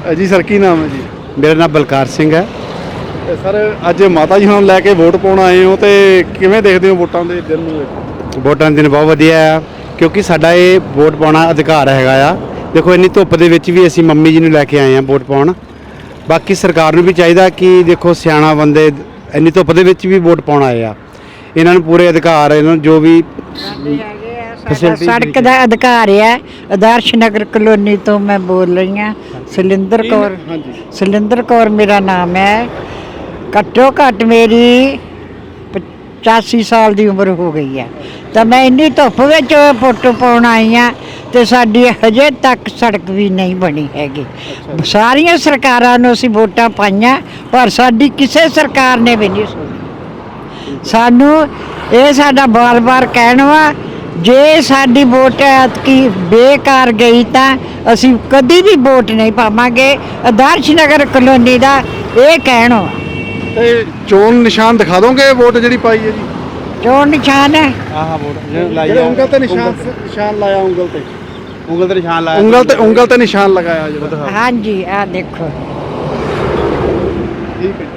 ਜੀ ਸਰ ਕੀ ਨਾਮ ਹੈ ਜੀ? ਮੇਰਾ ਨਾਮ ਬਲਕਾਰ ਸਿੰਘ ਹੈ। ਸਰ ਅੱਜ ਮਾਤਾ ਜੀ ਨੂੰ ਲੈ ਕੇ ਵੋਟ ਪਾਉਣ ਆਏ ਹੋ ਤੇ ਕਿਵੇਂ ਦੇਖਦੇ ਹੋ ਵੋਟਾਂ ਦੇ ਦਿਨ ਨੂੰ? ਵੋਟਾਂ ਦੇ ਦਿਨ ਬਹੁਤ ਵਧੀਆ ਆ ਕਿਉਂਕਿ ਸਾਡਾ ਇਹ ਵੋਟ ਪਾਉਣਾ ਅਧਿਕਾਰ ਹੈਗਾ ਆ। ਦੇਖੋ ਇੰਨੀ ਧੁੱਪ ਦੇ ਵਿੱਚ ਵੀ ਅਸੀਂ ਮੰਮੀ ਜੀ ਨੂੰ ਲੈ ਕੇ ਆਏ ਆ ਵੋਟ ਪਾਉਣ। ਬਾਕੀ ਸਰਕਾਰ ਨੂੰ ਵੀ ਚਾਹੀਦਾ ਕਿ ਦੇਖੋ ਸਿਆਣਾ ਬੰਦੇ ਇੰਨੀ ਧੁੱਪ ਦੇ ਵਿੱਚ ਵੀ ਵੋਟ ਪਾਉਣ ਆਏ ਆ, ਇਹਨਾਂ ਨੂੰ ਪੂਰੇ ਅਧਿਕਾਰ, ਇਹਨਾਂ ਨੂੰ ਜੋ ਵੀ ਸੜਕ ਦਾ ਅਧਿਕਾਰ ਹੈ। ਆਦਰਸ਼ ਨਗਰ ਕਲੋਨੀ ਤੋਂ ਮੈਂ ਬੋਲ ਰਹੀ ਹਾਂ, ਸੁਲਿੰਦਰ ਕੌਰ। ਸੁਲਿੰਦਰ ਕੌਰ ਮੇਰਾ ਨਾਮ ਹੈ। ਘੱਟੋ ਘੱਟ ਮੇਰੀ 85 ਸਾਲ ਦੀ ਉਮਰ ਹੋ ਗਈ ਹੈ ਤਾਂ ਮੈਂ ਇੰਨੀ ਧੁੱਪ ਵਿੱਚ ਫੋਟੋ ਪਾਉਣ ਆਈ ਹਾਂ ਤੇ ਸਾਡੀ ਹਜੇ ਤੱਕ ਸੜਕ ਵੀ ਨਹੀਂ ਬਣੀ ਹੈਗੀ। ਸਾਰੀਆਂ ਸਰਕਾਰਾਂ ਨੂੰ ਅਸੀਂ ਵੋਟਾਂ ਪਾਈਆਂ ਪਰ ਸਾਡੀ ਕਿਸੇ ਸਰਕਾਰ ਨੇ ਵੀ ਨਹੀਂ ਸੁਣੀ। ਸਾਨੂੰ ਇਹ ਸਾਡਾ ਬਾਰ-ਬਾਰ ਕਹਿਣਾ ਵਾ, ਜੇ ਸਾਡੀ ਵੋਟ ਐਤਕੀ ਬੇਕਾਰ ਗਈ ਤਾਂ ਅਸੀਂ ਕਦੀ ਵੀ ਵੋਟ ਨਹੀਂ ਪਾਵਾਂਗੇ। ਆਦਰਸ਼ ਨਗਰ ਕਲੋਨੀ ਦਾ ਇਹ ਕਹਿਣਾ ਵਾ। ਤੇ ਚੋਣ ਨਿਸ਼ਾਨ ਦਿਖਾ ਦੋਗੇ ਵੋਟ ਜਿਹੜੀ ਪਾਈ ਹੈ ਜੀ? ਚੋਣ ਨਿਸ਼ਾਨ ਹੈ ਆਹ ਵੋਟ ਜਿਹੜੇ ਉਂਗਲ ਤੇ ਨਿਸ਼ਾਨ ਲਾਇਆ, ਉਂਗਲ ਤੇ ਨਿਸ਼ਾਨ ਲਾਇਆ, ਉਂਗਲ ਤੇ ਨਿਸ਼ਾਨ ਲਗਾਇਆ ਜਿਹੜਾ। ਹਾਂਜੀ, ਆਹ ਦੇਖੋ। ਠੀਕ ਹੈ।